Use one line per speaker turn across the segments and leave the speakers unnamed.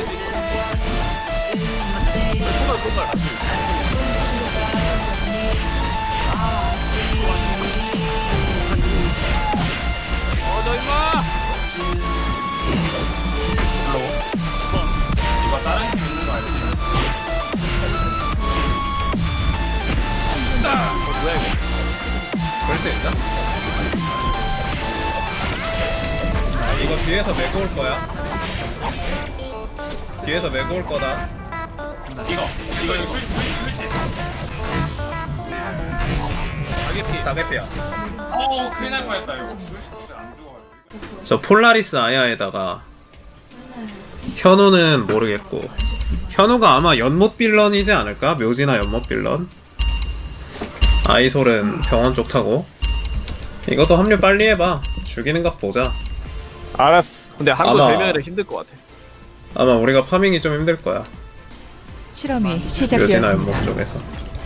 저 임마.
이거 다른 팀 있는 거 알지?
뭐야 이거?
그럴 수 있나? 이거 뒤에서 메고 올 거야. 뒤에서 메고 올 거다.
이거 술지.
가게피.
다개피야.
어우 큰일 날 뻔했다 이거. 술지 안 죽어가지고.
저 폴라리스 아야에다가 현우는 모르겠고 현우가 아마 연못 빌런이지 않을까? 묘지나 연못 빌런. 아이솔은 병원 쪽 타고. 이것도 합류 빨리 해봐. 죽이는 각 보자.
알았어. 근데 한국
아마-
3명이라 힘들 것 같아.
아마 우리가 파밍이 좀 힘들 거야.
실험이
묘지나
시작되었습니다.
연못 쪽에서.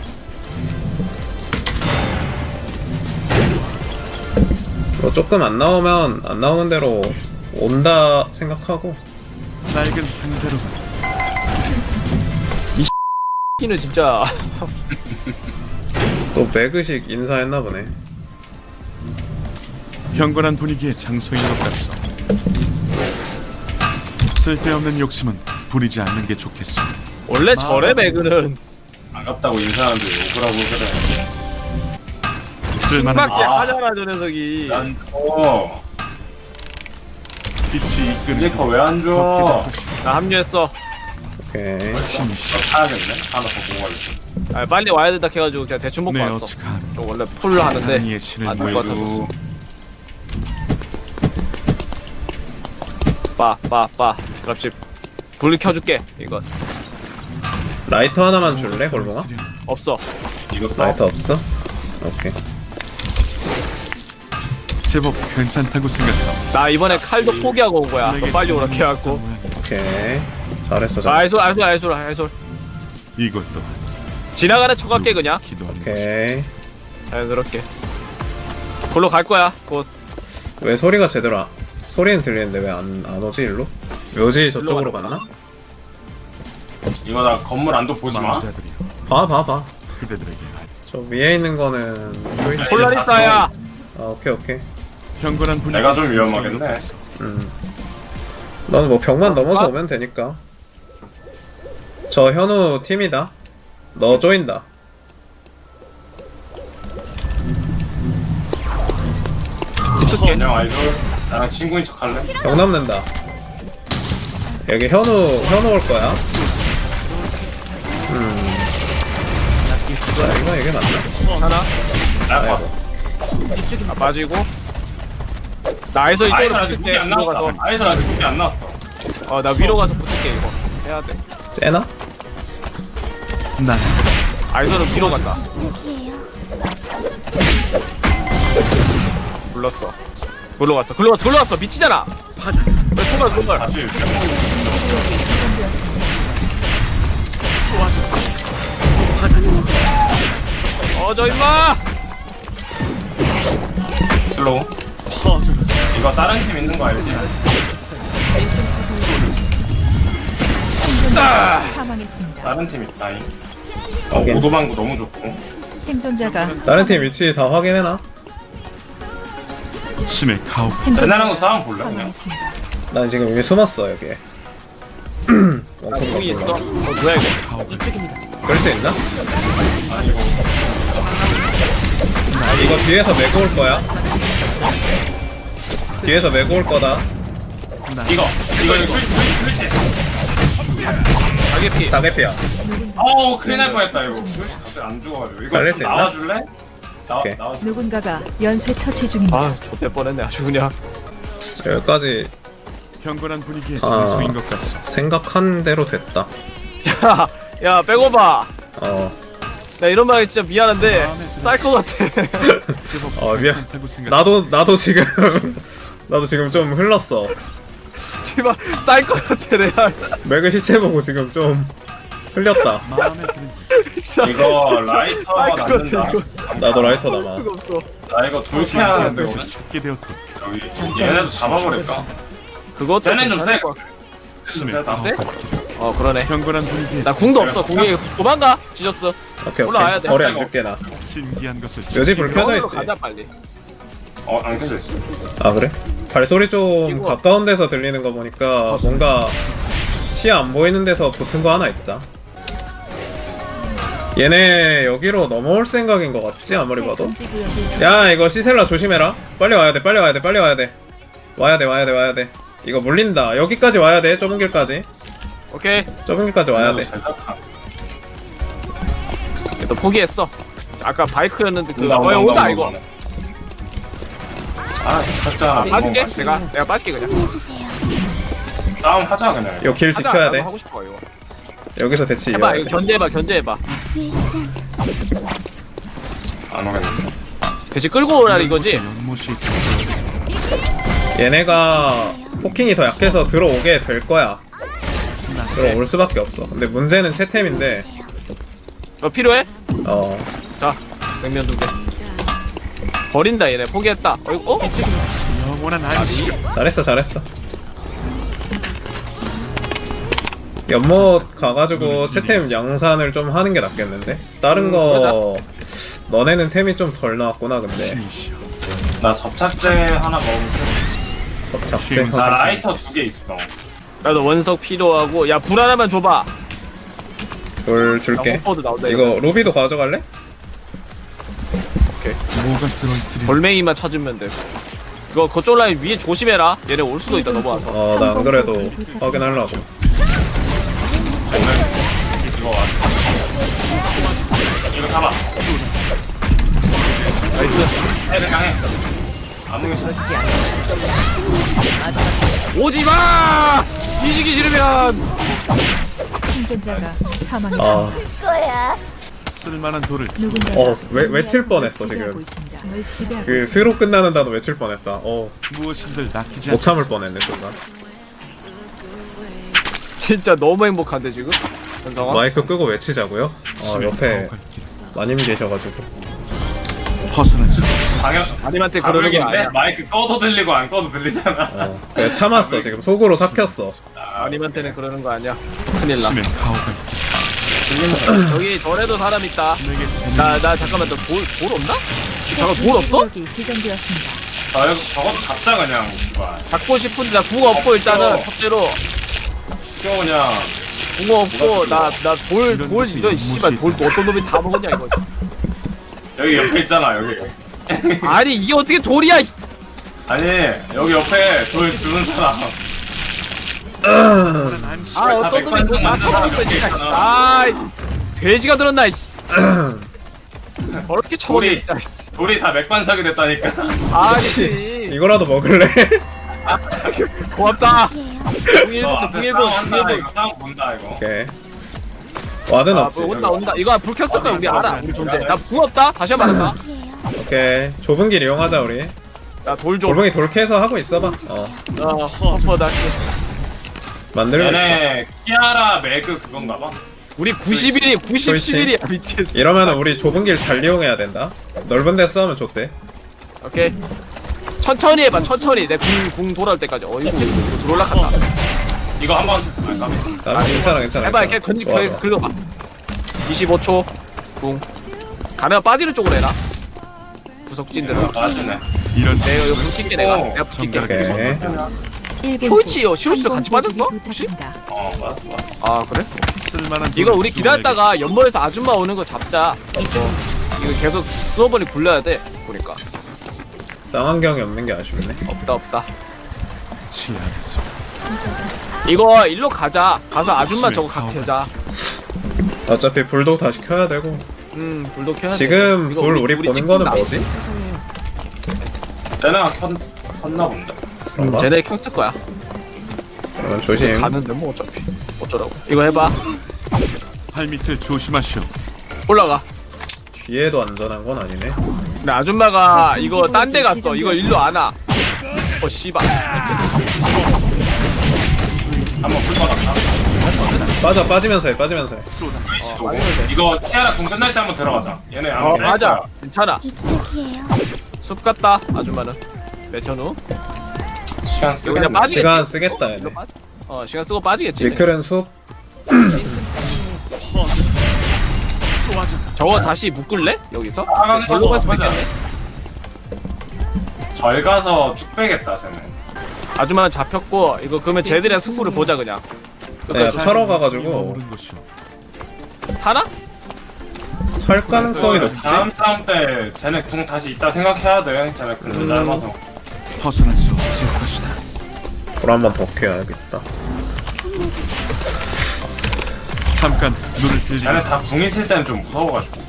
뭐 조금 안 나오면 안 나오는 대로 온다 생각하고.
낡은 상자로
키는 진짜
또 매그식 인사했나 보네.
경건한 분위기의 장소인 것 같소. 쓸데없는 욕심은 부리지 않는 게 좋겠소.
원래 절의 매그는
반갑다고 인사하는데 욕을 하고 그래.
쓸만한
밖에 하잖아 저 녀석이.
난
빛이 이끄는
이게 왜안 줘?
나 합류했어.
오케이.
신시.
타야겠네. 하나 더 보고 가야지.
아, 빨리 와야 된다 해가지고 그냥 대충 먹고
네,
왔어.
어떡하나.
좀 원래 풀 하는데
하나님의 신을
안 될 것 같았어.
모이고
빠. 그렇지. 불 켜줄게. 이거
라이터 하나만 줄래, 골봉아?
없어.
이거 써.
라이터 없어? 오케이.
제법 괜찮다고 생각하오.
나 이번에 칼도 포기하고 온 거야. 너 빨리 오라 해갖고.
오케이. 잘했어,
자,
잘했어.
알솔.
이것도
지나가는 척할게 그냥.
기도하는
오케이.
자연스럽게. 골로 갈 거야. 곧.
왜 소리가 제대로 소리는 들리는데 왜 안 오지, 일로? 묘지 저쪽으로 갔나?
이거 나 건물 안도 보지 마.
마자들이여
봐.
그대들에게
저 위에 있는 거는 쇼이치.
폴라리스야.
아, 오케이.
경건한 분위기.
내가 좀 위험하겠네.
너는 뭐 벽만 넘어서 오면 되니까. 저 현우 팀이다. 너 조인다.
붙을게.
안녕 아이돌. 나랑 친구인 척 할래?
벽 남는다. 여기 현우 올 거야. 자, 이거 이게 맞나?
하나.
나
아, 빠지고. 나에서
아이돌
이쪽으로
아직 무기
붙을게.
안
위로
나왔다.
가서.
아이돌 아직 무기 안 나왔어.
나 위로 가서 붙을게 이거. 해야 돼.
째나?
난
아이솔은 위로 간다. 불렀어. 글로 갔어. 미치잖아. 왜 통갈.
아직
저 임마.
슬로우. 이거 다른 팀 있는 거 알지?
사망했습니다.
다른 팀 있다잉.
확인.
오도방구 너무 좋고.
생존자가
다른 팀 위치 다 확인해놔.
신의 가오.
옛날하고 싸움 볼래 그냥?
사망했습니다.
난 지금 여기 숨었어, 여기에. 원컴
공이 있어.
몰라.
뭐야 이거.
그럴 수 있나?
아니 이거
이거 뒤에서 메고 올 거야. 뒤에서 메고 올 거다.
술지.
가게피.
다개피야.
어우 큰일 날 뻔했다 이거. 술지 갑자기 안 죽어가지고. 이거
살릴
좀
수 있나?
나와줄래?
오케이.
나와줘.
누군가가 연쇄 처치 중입니다.
아, 좆될 뻔했네 아주 그냥.
여기까지
경건한 분위기의
아.
장소인 것 같소.
생각한 대로 됐다.
야, 빼고봐. 나 이런 말 진짜 미안한데 쌀 것 같아.
미안.
괜찮다고 생각.
나도 지금 나도 지금 좀 흘렀어.
씨발 쌀 것 같아 내가.
맥의 시체 보고 지금 좀 흘렸다.
마음에 드는
진짜
이거 라이터 남는다.
나도 라이터 남아.
수가 없어.
나 이거 돌피하는데 오늘.
찾게 되었고
여기 얘네도 잡아버릴까?
그것도
쟤는 좀
괜찮을
세.
것 같아.
힘을
세?
가혹한
어 그러네.
경건한 분위기에
나 궁도 없어. 궁이 도망가. 지졌어.
오케이
올라와야
오케이.
돼.
거리 안 줄게 나.
신기한 것을
요지 불 켜져
병원으로
있지.
가자 빨리.
안 켜져 있어.
아 그래? 발소리 좀
이거-
가까운 데서 들리는 거 보니까 뭔가 시야 안 보이는 데서 붙은 거 하나 있다. 얘네 여기로 넘어올 생각인 것 같지 아무리 봐도.
금지 구역을
야 이거 시셀라 조심해라. 빨리 와야 돼 빨리 와야 돼 빨리 와야 돼. 와야 돼 와야 돼 와야 돼. 이거 물린다. 여기까지 와야 돼. 좁은 길까지.
오케이.
좁은 길까지 와야 돼.
너 포기했어. 아까 바이크였는데 그
온다, 온다,
오다
온다,
이거.
온다. 아 진짜
빠질게. 내가 빠질게 그냥.
싸움 하자 그냥.
이거 길
하자,
지켜야
나도
돼.
하고 싶어 이거.
여기서 대치
해봐.
이어야
이거
돼.
견제해봐. 견제해봐.
안 오겠네.
대신 끌고 오라 이거지.
연못이
얘네가 포킹이 더 약해서 들어오게 될 거야. 들어올 수밖에 없어. 근데 문제는 채템인데
너 필요해?
어
자, 냉면 2개. 버린다 얘네. 포기했다. 어?
영원한 안식
잘했어 잘했어. 연못 가가지고 채템 양산을 좀 하는 게 낫겠는데? 다른 거 너네는 템이 좀 덜 나왔구나 근데
신이시여
나 접착제 하나 먹으면
접착제
나 라이터 2개 있어.
나도 원석 필요하고. 야, 불 하나만 줘봐.
돌
나
줄게.
호퍼도 나온다
이거 루비도 가져갈래?
뭐가 들어있으려
돌멩이만 찾으면 돼. 이거 거쪽 라인 위에 조심해라. 얘네 올 수도 있다 넘어와서.
어 나 안 그래도 확인하려고.
이거 왔어. 이거 잡아.
나이스.
애들 강해. 아무 게 싫어.
오지마! 뒤지기 싫으면.
생존자가 사망했습니다.
아
쓸만한 돌을
누군가
외칠 뻔했어 지금. 그 스로 끝나는 단어 외칠 뻔했다.
무엇인들 낚이지
못 참을 뻔했네 순간.
진짜 너무 행복한데 지금? 현성아?
마이크 끄고 외치자고요? 옆에
가혹한 길.
마님 계셔가지고.
벗어날 수
당연.
아님한테 그러는 게 아니야.
마이크 꺼도 들리고 안 꺼도 들리잖아.
그냥 참았어 지금 속으로 삭혔어.
아님한테는 그러는 거 아니야. 큰일 나.
심해 가혹한
저기 절에도 사람 있다.
내게
나 잠깐만 너 돌 없나? 잠깐 돌 없어?
구역이 지정되었습니다.
저것도 잡자 그냥. 이거.
잡고 싶은데 나 궁 없고 일단은 첫째로
이거 그냥.
궁 없고 나돌 이런 씨발 돌 어떤 놈이 다 먹었냐 이거.
여기 옆에 있잖아 여기.
아니 이게 어떻게 돌이야?
아니 여기 옆에 돌 주는 사람.
아 어떤 놈이
백반
나
만든
쳐먹었어
사람
진짜.
있잖아.
아 돼지가 들었나? 저렇게 쳐먹네
돌이
진짜.
돌이 다 맥반석이 됐다니까.
아씨
이거라도 먹을래?
고맙다. 궁일본
앞에
궁일본
싸움 한다,
궁일본.
이거 싸움 본다 이거.
오케이. 와든
아,
없지.
온다. 이거 불 켰을 거야 우리 알아. 우리 존재. 나 궁 없다. 다시 한번 말한다.
오케이. 좁은 길 이용하자 우리.
나 돌 좀.
골뱅이 돌캐서 하고 있어봐.
허퍼 다시.
만들고 있어.
얘네 키아라 매그 그건가봐.
우리 91이 97일이야 미치겠어.
이러면 우리 좁은 길 잘 이용해야 된다. 넓은 데 싸우면 좋대.
오케이. 천천히 해봐 천천히. 내 궁 돌아올 때까지. 이거 들어올라간다.
이거 한번
괜찮아 괜찮아.
해봐
괜찮아.
이렇게 건지
좋아, 좋아.
긁어봐. 25초. 궁. 가능한 빠지는 쪽으로 해라. 구석진 데서.
맞네.
이런
내가 이거 붙일게 내가 붙일게.
오케이.
쇼이치요. 쇼이치도 같이 빠졌어? 혹시?
맞았어.
아 그래?
쓸만한
이거
돌을
우리 기다렸다가 연못에서 아줌마 오는 거 잡자. 이거 계속 수어번이 굴려야 돼. 보니까
쌍안경이 없는 게 아쉽네.
없다.
취하겠소.
이거 일로 가자. 가서 아줌마 저거 각해자.
어차피 불도 다시 켜야 되고.
불도 켜야 돼.
지금
이거
불 우리 보는
찍힌
거는
나이.
뭐지?
얘네가 켰나 본데.
그런가?
쟤네 켰을 거야.
그러면 조심.
가는데 뭐 어차피 어쩌라고. 이거 해봐.
발 밑을 조심하시오.
올라가.
뒤에도 안전한 건 아니네.
근데 아줌마가 이거 딴 데 갔어. 이거 일로 안 와. 씨발.
한번 불 받았다.
빠지면서 해 빠지면서 해.
이거 키아라 공 끝날 때 한번 들어가자. 얘네 안 끝날
맞아.
거야.
괜찮아. 숲 같다. 아줌마는. 매천 후.
시간
이거 그냥
쓰겠네.
빠지겠지.
시간 쓰겠다 얘네.
이거 빠져. 시간 쓰고 빠지겠지.
위클은 숲.
저거 다시 묶을래? 여기서?
아,
절로 갈 수도
맞아.
있겠네.
절 가서 쭉 빼겠다 쟤는.
아줌마는 잡혔고 이거 그러면 쟤들이랑 승부를 보자 그냥.
네, 털어 가가지고
머무른 곳이요.
하나?
할 가능성이 높지.
다음 싸움 때 쟤네 궁 다시 있다 생각해야 돼. 쟤네 궁 짧아서.
벗어날 수 없을 것이다.
돌 한 번 더 켜야겠다.
잠깐 눈을 들리게.
쟤네 다 궁 있을 때는 좀 무서워가지고.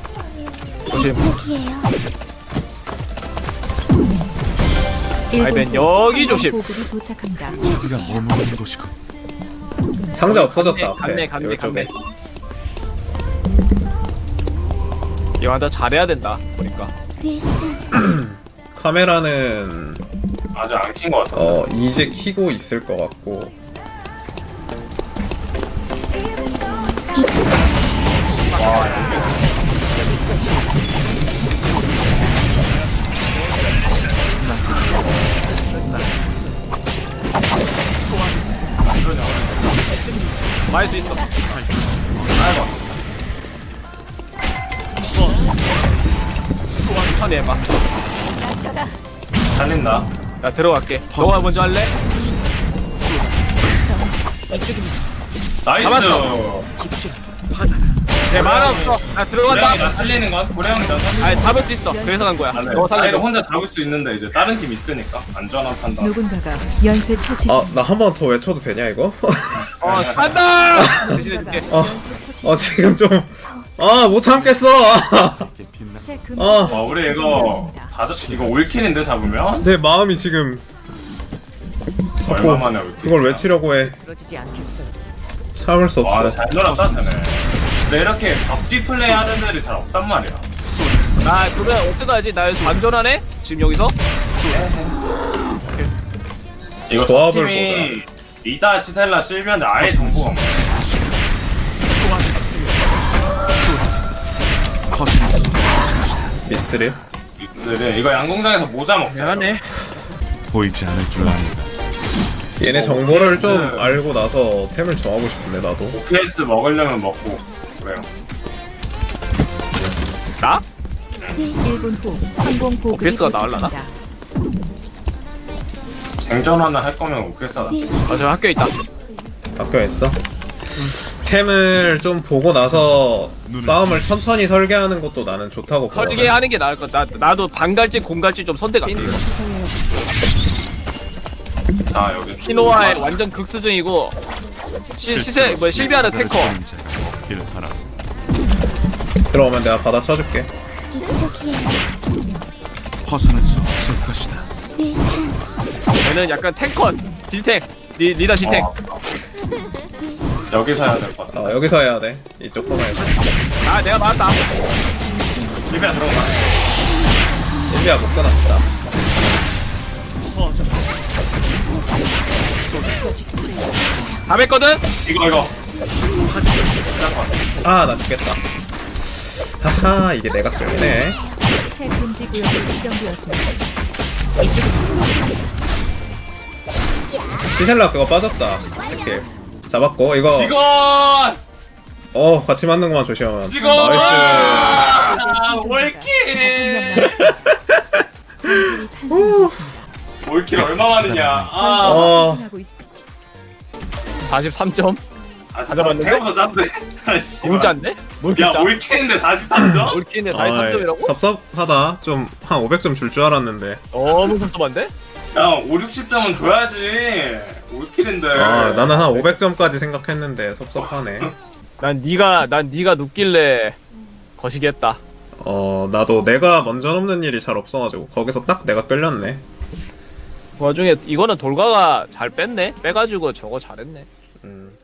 아이벤 여기 조심.
보급이 도착합니다.
자기가 머무는 곳이고.
상자 없어졌다 앞에.
갔네 갔네
여기 쪽에.
갔네. 이거 잘해야 된다 보니까.
카메라는
아직 안 킨 것 같아.
이제 키고 있을 것 같고.
많이 수 있어. 천천히 해봐.
살린다.
나 들어갈게. 너가 먼저 할래?
나이스.
잡았어. 내 만화 없어. 나
고래형이
들어간다.
나 살리는 건? 고래형이 나 살리는 건?
아니 잡을 수 있어. 그래서 간 거야.
아, 네.
너
나이를
살려.
혼자 잡을 수 있는데 이제 다른 팀 있으니까 안전한 판단.
누군가가 연쇄 처치
아, 나 한 번 더 외쳐도 되냐 이거?
간다. 대신해줄게.
지금 좀 못 참겠어.
이렇게 빛나.
새
우리 이거 이거 올킬인데 잡으면?
내 마음이 지금
얼마 만에 올킬?
그걸 외치려고 해. 참을 수
와,
없어.
잘 놀았다 쟤네. 근데 이렇게 앞뒤 플레이 하는 애들이 잘 없단 말이야.
나 그러면 어떡하지? 나 여기서 반전하네? 지금 여기서?
이거
조합을
팀이 리다, 시셀라, 실비한데 아예 정보가 없네.
벗어날 수
미스를.
이거 양궁장에서 모자 먹자.
보이지 않을 줄 압니다.
얘네 정보를 좀 알고 나서 템을 정하고 싶은데 나도.
OPS 먹으려면 먹고 그래요.
나?
1분 후 항공 보급이
오피스가 나올라나?
도착합니다.
쟁전하나 할 거면 OPS다.
저 학교에 있다.
학교에 있어? 템을 좀 보고 나서 싸움을 천천히 설계하는 것도 나는 좋다고 보거든.
설계하는 게 나을 것 같다. 나도 반갈지 공갈지 좀 선택 안 돼. 이거.
자 여기
피노아의 완전 극수중이고 시세 뭐 실비아는 탱커.
길 하나.
들어오면 내가 받아 쳐줄게.
벗어날 수 없을 것이다.
얘는 약간 탱커 딜탱 리더 딜탱.
여기서 해야 될 것 같아.
여기서 해야 돼. 이쪽 코너에서.
아 내가 맞았다.
실비야 들어가.
일비야 못 끊었다.
다 뺐거든?
이거
나 죽겠다. 하하, 이게 내가 걸리네.
새 금지 구역이 지정되었습니다.
시셀라 그거 빠졌다. 스킬. 잡았고, 이거.
직원
같이 맞는 것만 조심.
직원
나이스.
올킬 올킬 얼마 만이냐.
하고 있
43점?
잠깐만 생각보다 짠데. 아씨.
공짜인데? 뭘
야
공짜?
올킬인데 43점?
올킬인데 43점이라고?
섭섭하다. 좀 한 500점 줄 줄 알았는데.
너무 섭섭한데?
야 5, 60점은 줘야지. 올킬인데.
나는 한 500점까지 생각했는데 섭섭하네.
난 네가 눕길래 거시기했다.
나도 내가 먼저 넘는 일이 잘 없어가지고 거기서 딱 내가 끌렸네.
그 와중에 이거는 돌가가 잘 뺐네? 빼가지고 저거 잘했네.